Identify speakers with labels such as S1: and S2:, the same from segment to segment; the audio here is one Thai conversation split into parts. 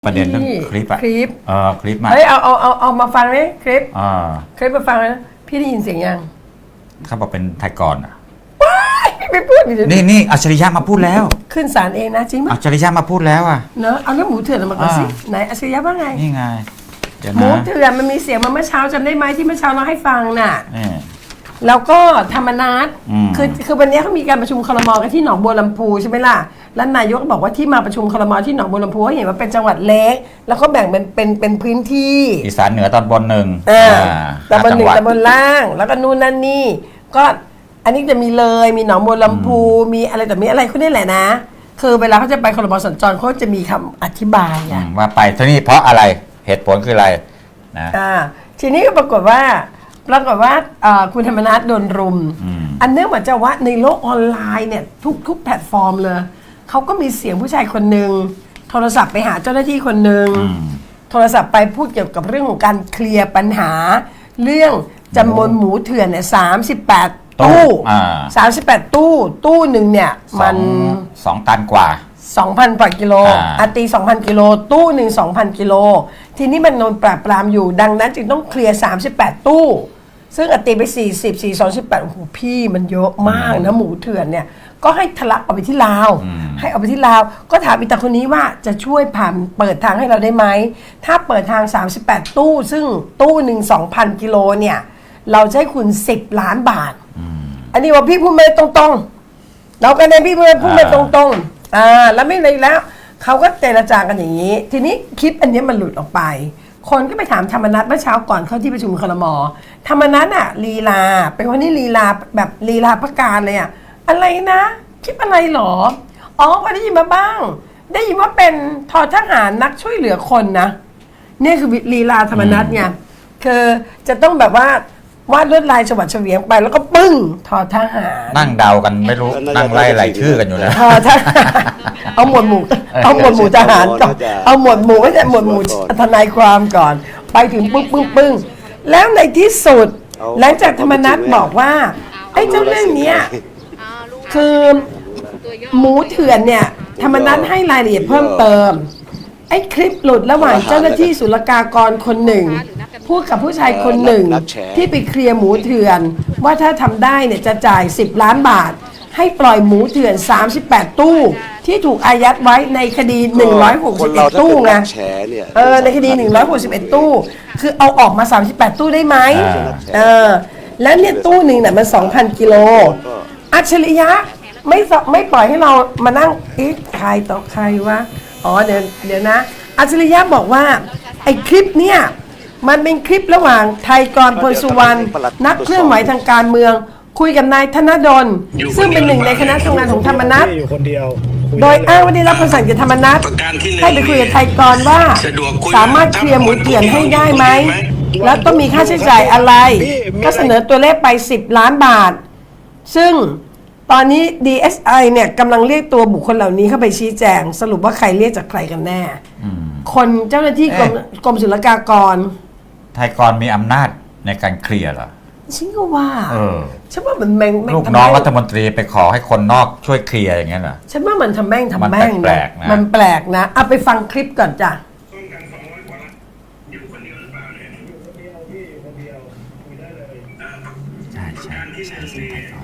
S1: ประเด็นเรื่องคลิปอะ
S2: คลิป
S1: คลิปมา
S2: เฮ้ยเอามาฟังไหมคลิปมาฟังนะพี่ได้ยินเสียงยัง
S1: เขาบอกเป็นไทยกรอะ
S2: ไม่พูด
S1: นี่อัจฉริยะมาพูดแล้ว
S2: ขึ้นศาลเองนะจริงไหม
S1: อัจฉริยะมาพูดแล้วอะ
S2: เนอะเอาเรื่องหมูเถื่อนมาก่อนสิไหนอัจฉริยะว่าไง
S1: นี่ไง
S2: หมูเถื่อนมันมีเสียงมาเมื่อเช้าจำได้ไหมที่เมื่อเช้าเราให้ฟังน่ะแล้วก็ธรรมนัสคือวันนี้เขามีการประชุมครม.กันที่หนองบัวลำพูใช่ไหมล่ะแล้วนายกบอกว่าที่มาประชุมครม.ที่หนองบัวลำพูเขาเห็นว่าเป็นจังหวัดเล็กแล้วก็แบ่งเป็นพื้นที่
S1: อีสานเหนือตอนบนหนึ่ง
S2: ตอนบนหนึ่งตอนบนล่างแล้วก็นู่นนั่นนี่ก็อันนี้จะมีเลยมีหนองบัวลำพูมีอะไรแต่มีอะไรเขาเนี่ยแหละนะคือเวลาเขาจะไปครม.สัญจรเขาจะมีคำอธิบาย
S1: ว่าไปที่นี่เพราะอะไรเหตุผลคืออะไรนะ
S2: ทีนี้ก็ปรากฏว่าคุณธรรมนัสโดนรุมอันเนื่องมาจากว่าในโลกออนไลน์เนี่ยทุกแพลตฟอร์มเลยเขาก็มีเสียงผู้ชายคนหนึ่งโทรศัพท์ไปหาเจ้าหน้าที่คนหนึ่งโทรศัพท์ไปพูดเกี่ยวกับเรื่องของการเคลียร์ปัญหาเรื่องจำนวนหมูเถื่อนเนี่ย38 ตู้38 ตู้หนึ่งเนี่ยมัน
S1: 2 ตันกว่า
S2: 2,000 กว่ากิโลตี 2,000 กิโลตู้หนึ่ง 2,000 กิโลทีนี้มันโดนปราบปรามอยู่ดังนั้นจึงต้องเคลียร์38 ตู้ซึ่งตีไป28โอ้โหพี่มันเยอะมากนะหมูเถื่อนเนี่ยก็ให้ทะลักออกไปที่ลาวให้ออกไปที่ลาวก็ถามอีตาคนนี้ว่าจะช่วยเปิดทางให้เราได้ไหมถ้าเปิดทาง38ตู้ซึ่งตู้หนึ่ง 2,000 กิโลเนี่ยเราจะให้คุณ10 ล้านบาทอันนี้ว่าพี่พูดมาตรงๆเราก็ได้พี่พูดมาตรงๆแล้วไม่เลยแล้วเขาก็เจรจากันอย่างนี้ทีนี้คลิปอันนี้มันหลุดออกไปคนก็ไปถามธรรมนัสเมื่อเช้าก่อนเข้าที่ประชุมครม.ธรรมนัสอ่ะลีลาเป็นคนที่ลีลาแบบลีลาพระการเลยอ่ะอะไรนะคลิปอะไรหรอพอได้ยินมาบ้างได้ยินว่าเป็นททหารนักช่วยเหลือคนนะนี่คือลีลาธรรมนัสไงคือจะต้องแบบว่าวาดลวดลายฉวัดเฉวียงไปแล้วก็ปึ้งทอทหาร
S1: นั่งเดากันไม่รู้นั่งไล่ชื่อกันอยู่นะ
S2: ทอทหารเอาหมวดหมู่ทหารก่อนเอาหมวดหมู่ไม่ใช่หมวดหมู่ทนายความก่อนไปถึงปึ้งแล้วในที่สุดหลังจากธรรมนัสบอกว่าไอ้เจ้าเรื่องนี้คือหมูเถื่อนเนี่ยธรรมนัสให้รายละเอียดเพิ่มเติมไอ้คลิปหลุดระหว่างเจ้าหน้าที่ศุลกากรคนหนึ่งพูดกับผู้ชายคนหนึ่งที่ไปเคลียร์หมูเถื่อนว่าถ้าทำได้เนี่ยจะจ่าย10 ล้านบาทให้ปล่อยหมูเถื่อน38 ตู้ที่ถูกอายัดไว้ในคดี161ตู้ไงในคดี161ตู้คือเอาออกมา38ตู้ได้ไหมแล้วเนี่ยตู้หนึ่งเนี่ยมัน 2,000 กิโลอัจฉริยะไม่ปล่อยให้เรามานั่งใครต่อใครวะเดี๋ยวนะอัจฉริยะบอกว่าไอ้คลิปเนี่ยมันเป็นคลิประหว่างไทยกรพลสุวรรณนักเคลื่อนไหวทางการเมืองคุยกับนายธนดลซึ่งเป็นหนึ่งในคณะทำงานของธรรมนัสโดยอ้างว่าได้รับคำสั่งจากธรรมนัสให้ไปคุยกับไทยกรว่าสามารถเคลียร์หมูเถื่อนให้ได้ไหมแล้วต้องมีค่าใช้จ่ายอะไรก็เสนอตัวเลขไป10 ล้านบาทซึ่งตอนนี้ DSI เนี่ยกำลังเรียกตัวบุคคลเหล่านี้เข้าไปชี้แจงสรุปว่าใครเรียกจากใครกันแน่คนเจ้าหน้าที่กรมศุลกากร
S1: ไทยกรมีอำนาจในการเคลียร์เหรอ
S2: ฉันก็ว่าฉันว่ามัน
S1: ลูกน้องรัฐมนตรีไปขอให้คนนอกช่วยเคลียร์อย่างเงี้ยเหรอ
S2: ฉันว่ามันทำแม่ง
S1: นะ
S2: มันแปลกนะเอาไปฟังคลิปก่อนจ้ะ
S1: ใช่ไทยกร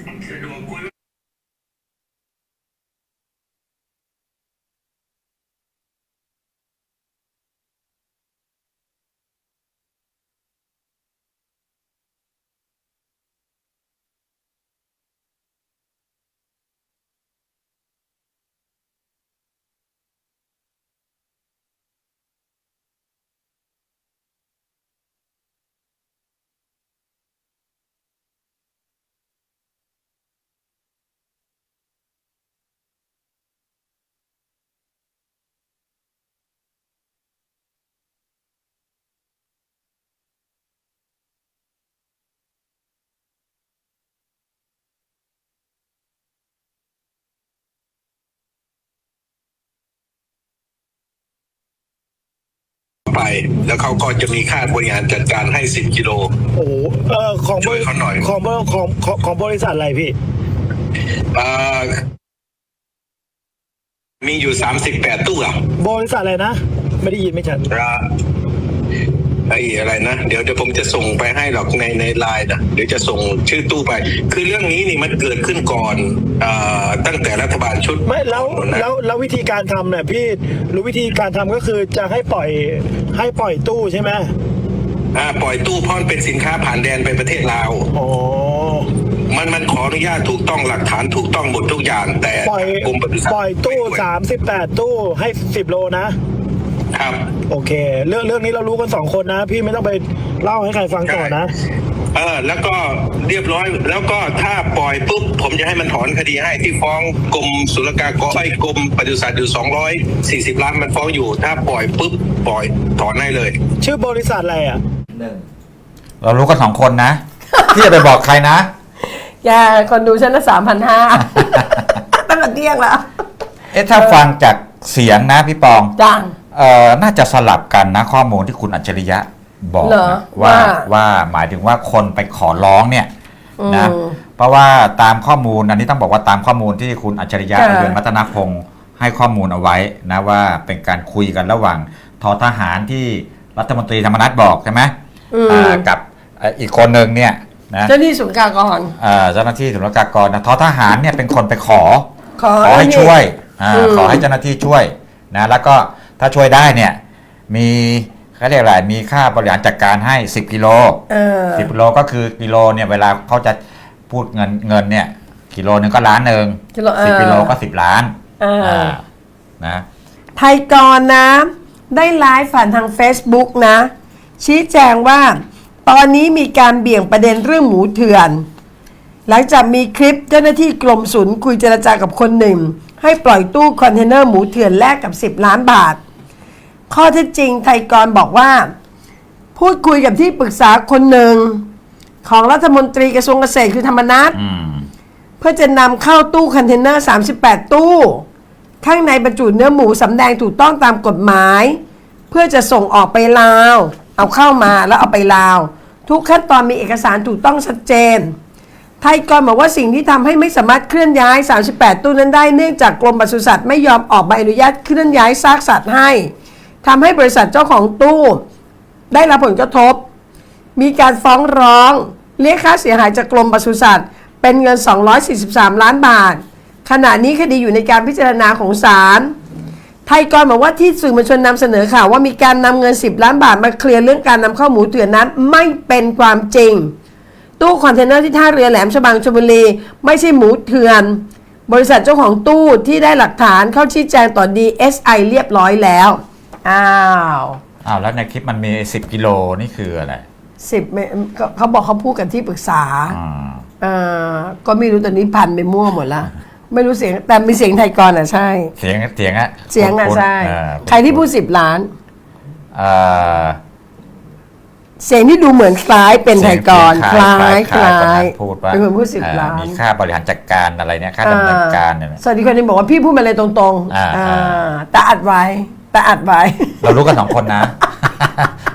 S3: ไปแล้วเขาก็จะมีค่าบริหารจัดการให้10 กิโล
S4: โอ้ของช่วยเขาหน่อยของบริษัทอะไรพี่
S3: มีอยู่38 ตู้อ่ะ
S4: บริษัทอะไรนะไม่ได้ยินไม่ชัด
S3: ไอ้อะไรนะเดี๋ยวผมจะส่งไปให้หรอกในไลน์นะเดี๋ยวจะส่งชื่อตู้ไป คือเรื่องนี้นี่มันเกิดขึ้นก่อนตั้งแต่รัฐบาลชุด
S4: ไม่แล้ววิธีการทำเนี่ยพี่รู้วิธีการทำก็คือจะให้ปล่อยตู้ใช่ไหม
S3: ปล่อยตู้เพราะมันเป็นสินค้าผ่านแดนไปประเทศลาว
S4: อ๋อ
S3: มันขออนุญาตถูกต้องหลักฐานถูกต้องหมดทุกอย่างแต่
S4: ปล่อย
S3: กรมปศุสัตว์
S4: ปล่อยตู้38ตู้ให้10โลนะ
S3: ครับ
S4: โอเค เรื่องนี้เรารู้กัน2คนนะ พี่ไม่ต้องไปเล่าให้ใครฟังต่อนะ
S3: แล้วก็เรียบร้อยแล้วก็ถ้าปล่อยปุ๊บผมจะให้มันถอนคดีให้ที่ฟ้องกรมศุลกากรกรมปศุสัตว์อยู่240 ล้านมันฟ้องอยู่ถ้าปล่อยปุ๊บปล่อยถอนให้เลย
S4: ชื่อบริษัทอะไรอ่ะ
S1: เรารู้กัน2 คนนะ ที่จะไปบอกใครนะ
S2: อย่าคนดูฉันละ3,500 ตั้งแต่เที่ยงแล้ว
S1: ถ้าฟังจากเสียงนะพี่ปอง
S2: จัง
S1: น่าจะสลับกันนะข้อมูลที่คุณอัจฉริยะบอก
S2: เหรอ
S1: นะ
S2: ว่า
S1: ว่าหมายถึงว่าคนไปขอร้องเนี่ยนะเพราะว่าตามข้อมูลอันนี้ต้องบอกว่าตามข้อมูลที่คุณอัจฉริยะ
S2: ค่ะ
S1: เรืองรัตนพงศ์ให้ข้อมูลเอาไว้นะว่าเป็นการคุยกันระหว่างททหารที่รัฐมนตรีธรรมนัฐบอกใช่ไหมกับอีกคนหนึ่งเนี่ยนะ
S2: เจ้าหน้าที่ศุลกากร
S1: เจ้าหน้าที่ศุลกากรนะททหารเนี่ยเป็นคนไปขอ
S2: ขอ
S1: ให้
S2: นี่
S1: ช่วย
S2: อืม
S1: ขอให้เจ้าหน้าที่ช่วยนะแล้วก็ถ้าช่วยได้เนี่ยมีเขาเรียกอะไรมีค่าบริหารจัดการให้10 กิโล 10 กิโลก็คือกิโลเนี่ยเวลาเขาจะพูดเงินเนี่ยกิโลนึงก็1 ล้าน10 กิโลก็10 ล้านนะ
S2: ไทยกรนะได้ไลฟ์ผ่านทาง Facebook นะ ชี้แจงว่าตอนนี้มีการเบี่ยงประเด็นเรื่องหมูเถื่อน หลังจากมีคลิปเจ้าหน้าที่กรมศุลคุยเจรจากับคนหนึ่ง ให้ปล่อยตู้คอนเทนเนอร์หมูเถื่อนแลกกับ10 ล้านบาท ข้อเท็จจริงไทยกรบอกว่า พูดคุยกับที่ปรึกษาคนหนึ่งของรัฐมนตรีกระทรวงเกษตรคือธรรมนัส เพื่อจะนำเข้าตู้คอนเทนเนอร์38 ตู้ ข้างในบรรจุเนื้อหมูสำแดงถูกต้องตามกฎหมาย เพื่อจะส่งออกไปลาว เอาเข้ามาแล้วเอาไปลาว ทุกขั้นตอนมีเอกสารถูกต้องชัดเจน ไทยกรบอกว่าสิ่งที่ทำให้ไม่สามารถเคลื่อนย้าย 38 ตู้นั้นได้เนื่องจากกรมปศุสัตว์ไม่ยอมออกใบอนุญาตเคลื่อนย้ายซากสัตว์ให้ทำให้บริษัทเจ้าของตู้ได้รับผลกระทบ มีการฟ้องร้องเรียกค่าเสียหายจากกรมปศุสัตว์เป็นเงิน243 ล้านบาท ขณะนี้คดีอยู่ในการพิจารณาของศาล ไทยกรบอกว่าที่สื่อมวลชนนำเสนอข่าวว่ามีการนำเงิน10 ล้านบาทมาเคลียร์เรื่องการนำเข้าหมูเถื่อนนั้นไม่เป็นความจริง ตู้คอนเทนเนอร์ที่ท่าเรือแหลมฉบังชลบุรีไม่ใช่หมูเถื่อน บริษัทเจ้าของตู้ที่ได้หลักฐานเข้าชี้แจงต่อ DSI เรียบร้อยแล้วอ้าว
S1: แล้วในคลิปมันมี10 กิโลนี่คืออะไร
S2: 10เขาบอกเขาพูดกันที่ปรึกษาก็ไม่รู้ตอนนี้พันไปมั่วหมดละไม่รู้เสียงแต่มีเสียงไทยกรใช่
S1: เสียงอะ
S2: เสียงใช่
S1: เออ
S2: ใครที่พูด10 ล้าน
S1: เอ่อ
S2: เสียงที่ดูเหมือนคล้ายเป็นไทยกรคล้ายคล้าย
S1: พูดว่า
S2: เป็นคนพูด10 ล้าน
S1: มีค่าบริหารจัดการอะไรเนี่ยค่าดำเนินการเนี่ย
S2: สวัสดีคนนี้บอกว่าพี่พูดมาเลยตรงๆแต่อัดไว้
S1: เรารู้กัน2 คนนะ